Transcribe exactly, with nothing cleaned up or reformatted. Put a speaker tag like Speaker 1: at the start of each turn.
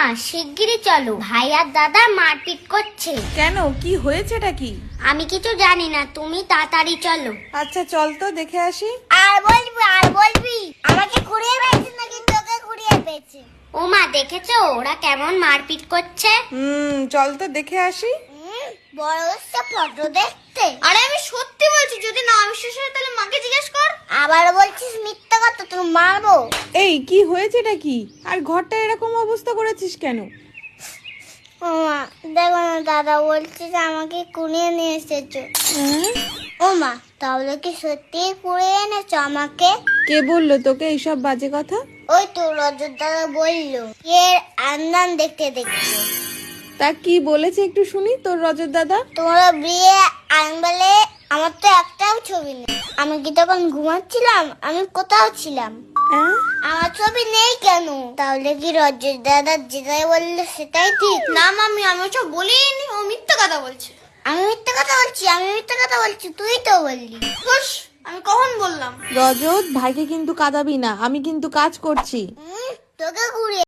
Speaker 1: শিগগিরই চলো, ভাই আর দাদা মারপিট করছে।
Speaker 2: কেন, কি হয়েছেটা কি?
Speaker 1: আমি কিছু জানি না, তুমি তাড়াতাড়ি চলো।
Speaker 2: আচ্ছা চল তো দেখে আসি।
Speaker 1: আর বলবি আর বলবি আমাকে কুড়িয়ে পেয়েছে নাকি তোকে কুড়িয়ে পেয়েছে? ও মা, দেখেছো ওরা কেমন মারপিট করছে?
Speaker 2: হুম চল তো দেখে আসি।
Speaker 1: বড় হচ্ছে ফটো দেখতে। আরে আমি সত্যি বলছি, যদি না বিশ্বাস হয় তাহলে মাকে জিজ্ঞেস কর। আবার বলছিস মিথ্যা কথা, তুই মারবো।
Speaker 2: এই কি হয়েছেটা কি? আর ঘরটা এরকম অবস্থা করেছিস কেন?
Speaker 1: ও মা, দেখো না, দাদা বলছে যে আমাকে কুড়িয়ে নিয়ে এসেছো। ও মা, তাহলে কি সত্যি কুড়িয়ে এনেছো আমাকে?
Speaker 2: কে বললো তোকে এইসব বাজে কথা?
Speaker 1: ওই তো রজত দাদা বললো, এর আন্দান দেখতে দেখতে।
Speaker 2: তা কি বলেছে একটু শুনি তোর রজত দাদা।
Speaker 1: তোমরা বিয়ে আনবেলে আমার তো একটাও ছবি নেই। আমি কি তখন ঘুমাচ্ছিলাম? আমি কোথাও ছিলাম?
Speaker 2: হ্যাঁ?
Speaker 1: আমার ছবি নেই কেন? তাহলে কি রজত দাদা যেটাই বললো সেটাই ঠিক? না মামি, আমি ওসব বলিনি, ও মিথ্যা কথা বলছে। আমি মিথ্যা কথা বলছি? আমি মিথ্যা কথা বলছি? তুই তো বললি। হুশ, আমি কখন বললাম?
Speaker 2: রজত, ভাইকে কিন্তু কাঁদাবি না, আমি কিন্তু কাজ করছি।
Speaker 1: তোকে ঘুরিয়ে